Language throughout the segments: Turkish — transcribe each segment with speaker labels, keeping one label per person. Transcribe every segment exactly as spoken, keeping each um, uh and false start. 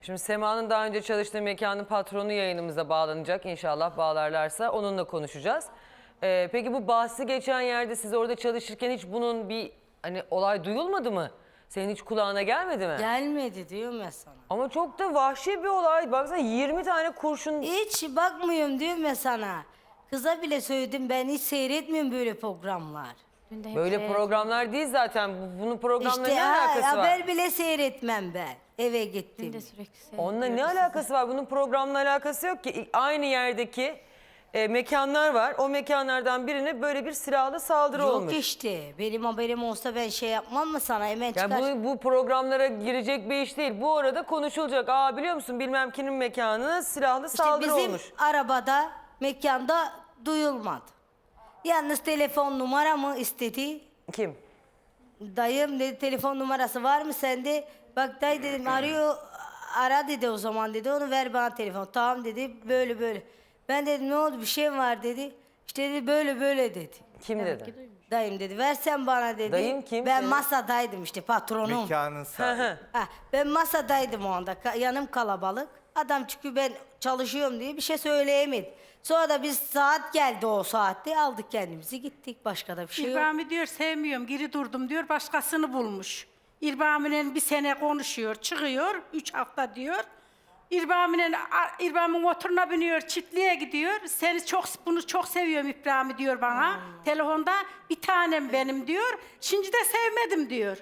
Speaker 1: Şimdi Sema'nın daha önce çalıştığı mekanın patronu yayınımıza bağlanacak. İnşallah bağlarlarsa onunla konuşacağız. Ee, peki bu bahsi geçen yerde siz orada çalışırken hiç bunun bir hani olay duyulmadı mı? Senin hiç kulağına gelmedi mi?
Speaker 2: Gelmedi diyorum ya sana.
Speaker 1: Ama çok da vahşi bir olay. Baksana yirmi tane kurşun.
Speaker 2: Hiç bakmıyorum diyorum ya sana. Kıza bile söyledim, ben hiç seyretmiyorum böyle programlar.
Speaker 1: Böyle programlar değil zaten. Bu- Bunun programla
Speaker 2: İşte
Speaker 1: ne
Speaker 2: ha,
Speaker 1: alakası var?
Speaker 2: haber bile seyretmem ben eve gittim.
Speaker 1: Onunla ne alakası var? Bunun programla alakası yok ki. Aynı yerdeki e, mekanlar var. O mekanlardan birine böyle bir silahlı saldırı
Speaker 2: Yok
Speaker 1: olmuş.
Speaker 2: işte, benim haberim olsa ben şey yapmam mı sana, hemen çıkar.
Speaker 1: Yani bu, bu programlara girecek bir iş değil. Bu arada konuşulacak. Aa biliyor musun bilmem kimin mekanına silahlı
Speaker 2: İşte
Speaker 1: saldırı
Speaker 2: bizim
Speaker 1: olmuş.
Speaker 2: arabada, mekanda duyulmadı. Yalnız telefon numaramı istedi.
Speaker 1: Kim?
Speaker 2: Dayım dedi, telefon numarası var mı sende? Bak dayı dedim, arıyor, ara dedi o zaman dedi, onu ver bana telefon. Tamam dedi, böyle böyle. Ben dedim ne oldu, bir şey mi var dedi. İşte dedi böyle böyle dedi.
Speaker 1: Kim dedi?
Speaker 2: Dayım dedi, versen bana dedi.
Speaker 1: Dayım kim
Speaker 2: Ben
Speaker 1: senin?
Speaker 2: masadaydım işte, patronum.
Speaker 3: Mekanın sahibi.
Speaker 2: Ha, ben masadaydım o anda, ka- yanım kalabalık. Adam çünkü ben çalışıyorum diye bir şey söyleyemedi. Sonra da biz saat geldi, o saatte aldık kendimizi gittik, başka da bir şey yok.
Speaker 4: İrbami diyor sevmiyorum, geri durdum diyor, başkasını bulmuş. İrbami'nin bir sene konuşuyor, çıkıyor, üç hafta diyor. İrbami'nin İrbami motoruna biniyor, çiftliğe gidiyor. Seni çok, bunu çok seviyorum İbrahim diyor bana.
Speaker 2: Hmm.
Speaker 4: Telefonda bir tanem benim diyor. Şimdi de sevmedim diyor.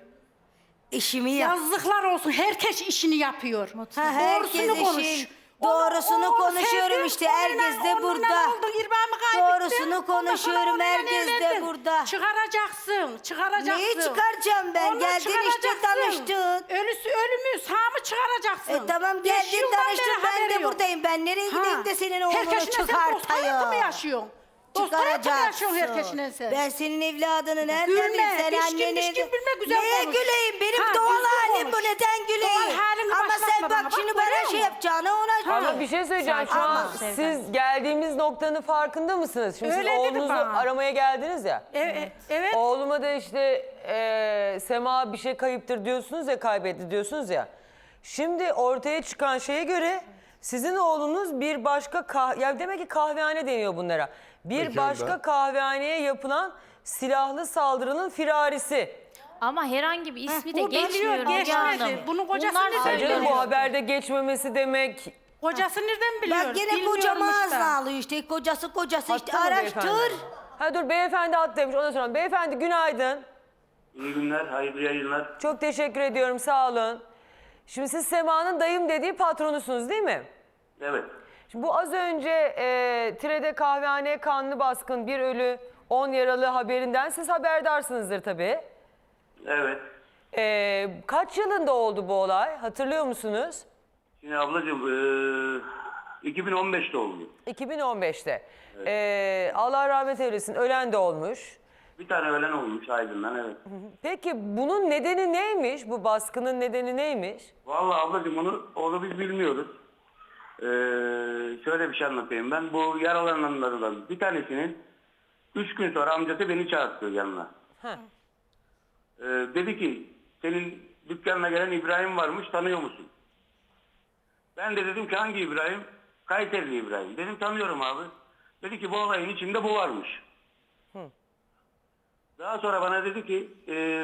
Speaker 2: İşimi yap.
Speaker 4: Yazıklar olsun, herkes işini yapıyor.
Speaker 2: Ha, herkes
Speaker 4: Doğrusunu konuş.
Speaker 2: işin doğrusunu
Speaker 4: Onu- onu
Speaker 2: konuşuyorum
Speaker 4: sevdim,
Speaker 2: işte,
Speaker 4: onunla-
Speaker 2: herkes de
Speaker 4: onunla
Speaker 2: burada.
Speaker 4: oldun, İrbami kaybettin.
Speaker 2: Doğrusunu
Speaker 4: Ondan sonra
Speaker 2: konuşuyorum,
Speaker 4: onunla
Speaker 2: herkes de
Speaker 4: evlendin.
Speaker 2: burada.
Speaker 4: Çıkaracaksın, çıkaracaksın.
Speaker 2: Neyi çıkaracağım ben?
Speaker 4: Onu
Speaker 2: Geldin işte,
Speaker 4: çıkaracaksın.
Speaker 2: tanıştın.
Speaker 4: Ölüsü ölümüz, ha mı çıkaracaksın?
Speaker 2: E tamam,
Speaker 4: Beş
Speaker 2: geldin
Speaker 4: yıldan
Speaker 2: tanıştın,
Speaker 4: beri
Speaker 2: ben
Speaker 4: haberi
Speaker 2: de
Speaker 4: yok.
Speaker 2: buradayım. Ben nereye
Speaker 4: Ha.
Speaker 2: gideyim de senin oğlunu
Speaker 4: Herkesine sen dost hayatı mı
Speaker 2: çıkartayım?
Speaker 4: yaşıyorsun? Dost hayatı mı yaşıyorsun herkesine sen?
Speaker 2: Ben senin evladını nereden
Speaker 4: Gülme,
Speaker 2: bileyim? Sen
Speaker 4: pişkin
Speaker 2: anneni...
Speaker 4: pişkin gülme, güzel
Speaker 2: Neye
Speaker 4: konuş.
Speaker 2: güleyim? Benim
Speaker 4: Ha,
Speaker 2: doğal
Speaker 4: düzgün
Speaker 2: halim bu,
Speaker 4: konuş.
Speaker 2: neden güleyim?
Speaker 4: Doğal halini
Speaker 2: Ama sen
Speaker 4: başlatma
Speaker 2: bak
Speaker 4: bana, bak,
Speaker 2: şimdi
Speaker 4: görüyor
Speaker 2: bana şey
Speaker 4: musun?
Speaker 2: yapacağını ona
Speaker 1: Ama
Speaker 2: göre.
Speaker 1: bir şey söyleyeceğim. Şu an
Speaker 2: Ama-
Speaker 1: siz geldiğimiz noktanın farkında mısınız? Şimdi
Speaker 4: Öyle
Speaker 1: siz
Speaker 4: dedi
Speaker 1: oğlunuzu
Speaker 4: bana.
Speaker 1: aramaya geldiniz ya.
Speaker 4: Evet. evet.
Speaker 1: Oğluma da işte e, Sema bir şey kayıptır diyorsunuz ya, kaybetti diyorsunuz ya. Şimdi ortaya çıkan şeye göre sizin oğlunuz bir başka kah ya demek ki kahvehane deniyor bunlara. Bir
Speaker 3: Mekanda.
Speaker 1: başka kahvehaneye yapılan silahlı saldırının firarisi.
Speaker 5: Ama herhangi bir ismi de
Speaker 4: bu biliyor,
Speaker 5: geçmiyor. Müge
Speaker 4: geçmedi.
Speaker 5: Hanım.
Speaker 4: Bunun kocası
Speaker 5: Bunlar
Speaker 4: ne
Speaker 1: Ya
Speaker 4: söylüyor?
Speaker 1: canım
Speaker 5: söylüyor.
Speaker 1: bu haberde geçmemesi demek.
Speaker 4: Kocası nereden biliyor?
Speaker 2: Bak gene
Speaker 4: Bilmiyormuş
Speaker 2: kocamı
Speaker 4: da.
Speaker 2: ağzına alıyor işte. Kocası kocası işte,
Speaker 1: Hatta mı
Speaker 2: araştır.
Speaker 1: beyefendi? Ha dur beyefendi at demiş, ondan sonra beyefendi günaydın.
Speaker 6: İyi günler, hayırlı yayınlar.
Speaker 1: Çok teşekkür ediyorum, sağ olun. Şimdi siz Sema'nın dayım dediği patronusunuz değil mi?
Speaker 6: Evet,
Speaker 1: Şimdi bu az önce e, Tire'de kahvehaneye kanlı baskın, bir ölü, on yaralı haberinden siz haberdarsınızdır tabii.
Speaker 6: evet.
Speaker 1: E, kaç yılında oldu bu olay, hatırlıyor musunuz?
Speaker 6: Şimdi ablacığım, eee, iki bin on beşte oldu.
Speaker 1: iki bin on beşte. E, Allah rahmet eylesin, ölen de olmuş.
Speaker 6: Bir tane ölen olmuş Aydın'dan, evet.
Speaker 1: Peki bunun nedeni neymiş, bu baskının nedeni neymiş?
Speaker 6: Vallahi ablacığım onu, onu biz bilmiyoruz. Eee, şöyle bir şey anlatayım ben. Bu yaralananlardan bir tanesinin üç gün sonra amcası beni çağırttı yanına.
Speaker 1: Heh.
Speaker 6: Eee, dedi ki, senin dükkanına gelen İbrahim varmış, tanıyor musun? Ben de dedim ki hangi İbrahim? Kayserili İbrahim. Dedim tanıyorum abi. Dedi ki bu olayın içinde bu varmış.
Speaker 1: Hı.
Speaker 6: Daha sonra bana dedi ki e,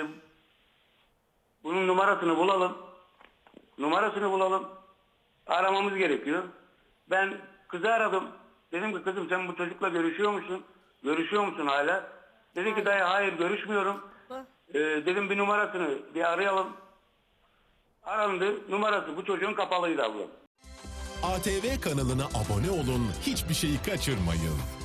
Speaker 6: bunun numarasını bulalım. Numarasını bulalım. Aramamız gerekiyor. Ben kızı aradım. Dedim ki kızım sen bu çocukla görüşüyor musun? Görüşüyor musun hala? Dedi ki dayı hayır görüşmüyorum. E, dedim bir numarasını bir arayalım. Arandı. Numarası bu çocuğun kapalıydı abla.
Speaker 7: A T V kanalına abone olun, hiçbir şeyi kaçırmayın.